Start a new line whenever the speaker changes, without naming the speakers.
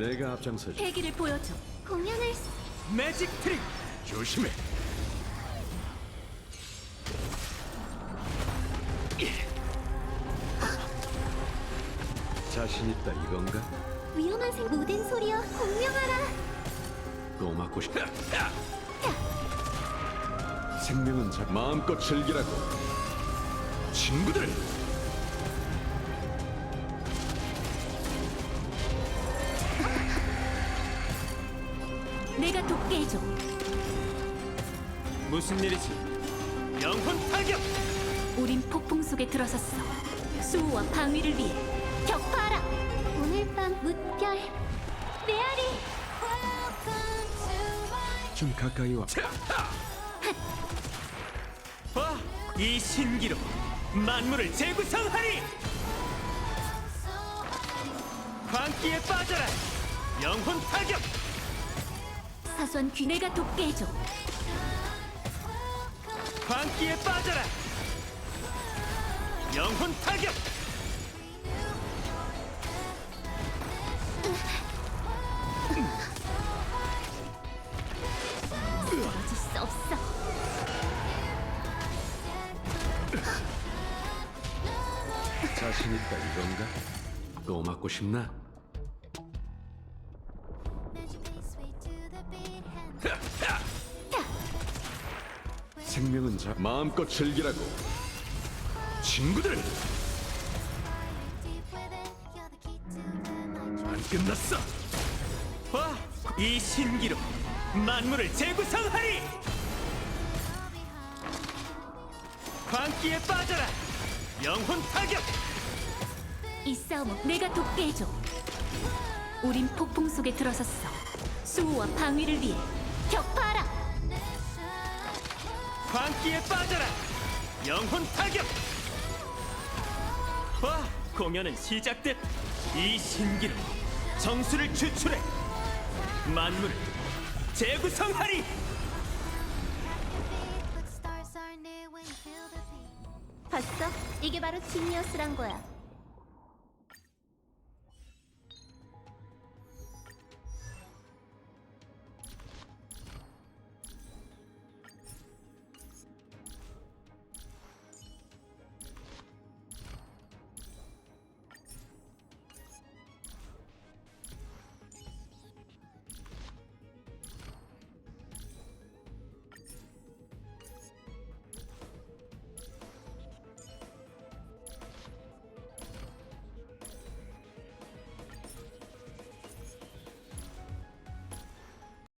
내가 앞장서지.
패기를 보여줘. 공연을
매직 트릭.
조심해. 자신 있다 이건가?
위험한 모든 소리여 공명하라.
또 맞고 싶다. 생명은 마음껏 즐기라고. 친구들.
내가 돕게 해줘.
무슨 일이지? 영혼 타격.
우린 폭풍 속에 들어섰어. 수호와 방위를 위해 격파하라. 오늘 밤 무별 메아리.
좀 가까이 와.
와, 이 신기로 만물을 재구성하리. 광기에 빠져라. 영혼 타격.
사소한 귀 내가 돕게 해줘.
광기에 빠져라. 영혼 타격.
쓰러질 수 없어.
자신 있다 이건가? 또 맞고 싶나? 생명은 마음껏 즐기라고. 친구들. 안 끝났어.
와, 이 신기로 만물을 재구성하리. 광기에 빠져라. 영혼 타격.
이 싸움은 내가 돕게 해줘. 우린 폭풍 속에 들어섰어. 수호와 방위를 위해 격파하라.
광기에 빠져라. 영혼 타격. 와, 공연은 시작됐. 이 신기로 정수를 추출해 만물을 재구성하리.
봤어? 이게 바로 지니어스란 거야.